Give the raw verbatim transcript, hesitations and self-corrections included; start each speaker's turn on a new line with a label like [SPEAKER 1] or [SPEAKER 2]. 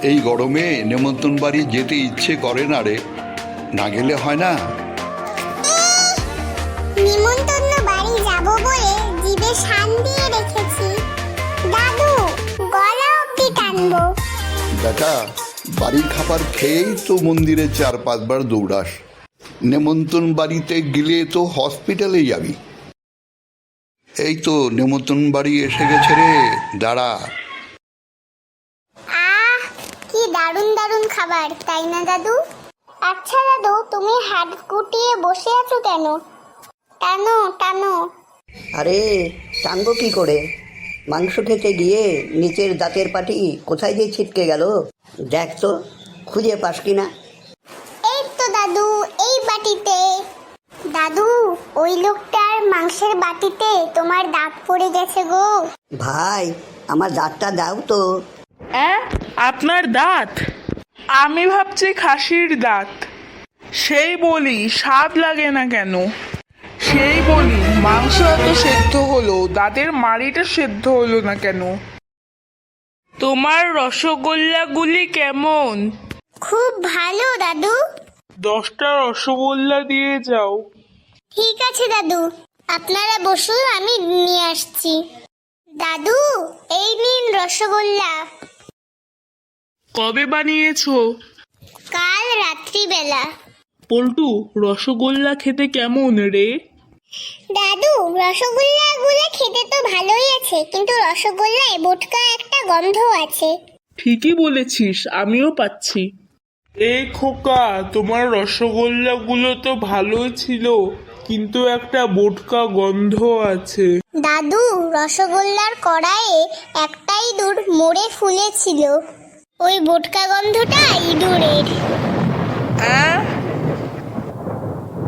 [SPEAKER 1] এই গরমে নেমন্তন্ন বাড়ি যেতে ইচ্ছে করে না রে, না গেলে হয় না।
[SPEAKER 2] নিমন্তন্ন বাড়ি যাব বলে জিভে শান দিয়ে রেখেছি দাদু, গলা অবধি টানবো।
[SPEAKER 1] বেটা, বাড়ির খাবার খেয়েই তো মন্দিরে চার পাঁচবার দৌড়াস, নেমন্তন্ন বাড়িতে গেলে তো হসপিটালে যাবি। এই তো নেমন্তন্ন বাড়ি এসে গেছে রে, দাঁড়া।
[SPEAKER 2] আহ, কি দারুণ দারুণ খাবার, তাই না দাদু? আচ্ছা দাদু, তুমি হাত গুটিয়ে বসে আছো কেন? টানো টানো।
[SPEAKER 3] আরে টানবো কি করে? মাংস খেতে গিয়ে নিচের দাঁতের পাটি কোথায় দিয়ে ছিটকে গেল, দেখ তো খুঁজে পাস কিনা।
[SPEAKER 2] এই তো দাদু, এই বাটিতে। দাদু, ওই লোকটার মাংসের বাটিতে তোমার দাঁত পড়ে গেছে গো।
[SPEAKER 3] ভাই, আমার দাঁতটা দাও তো।
[SPEAKER 4] অ্যাঁ, আপনার দাঁত? আমি ভাবছি খাসির দাঁত। সেই বলি স্বাদ লাগে না কেন? সেই বলি মাংস এত সেদ্ধ হলো, দাঁতের মাড়িটা সেদ্ধ হলো না কেন? তোমার রসগোল্লাগুলি কেমন?
[SPEAKER 2] খুব ভালো দাদু।
[SPEAKER 4] দশটা রসগোল্লা দিয়ে যাও।
[SPEAKER 2] ঠিক আছে দাদু, আপনারা বসুন, আমি নিয়ে আসছি। দাদু, এই নিন রসগোল্লা।
[SPEAKER 4] কবে বানিয়েছো?
[SPEAKER 2] কাল রাত্রিবেলা।
[SPEAKER 4] পল্টু, রসগোল্লা খেতে কেমন রে?
[SPEAKER 2] দাদু, রসগোল্লা গুলো খেতে তো ভালোই আছে, কিন্তু রসগোল্লায় বোটকা একটা গন্ধ আছে।
[SPEAKER 4] ঠিকই বলেছিস, আমিও পাচ্ছি। এই খোকা, তোমার রসগোল্লাগুলো তো ভালোই ছিল, কিন্তু একটা বোটকা গন্ধ আছে।
[SPEAKER 2] দাদু, রসগোল্লার কড়াইয়ে একটা ইঁদুর মরে ফুলেছিল, ওই বোটকা গন্ধটা ইঁদুরের।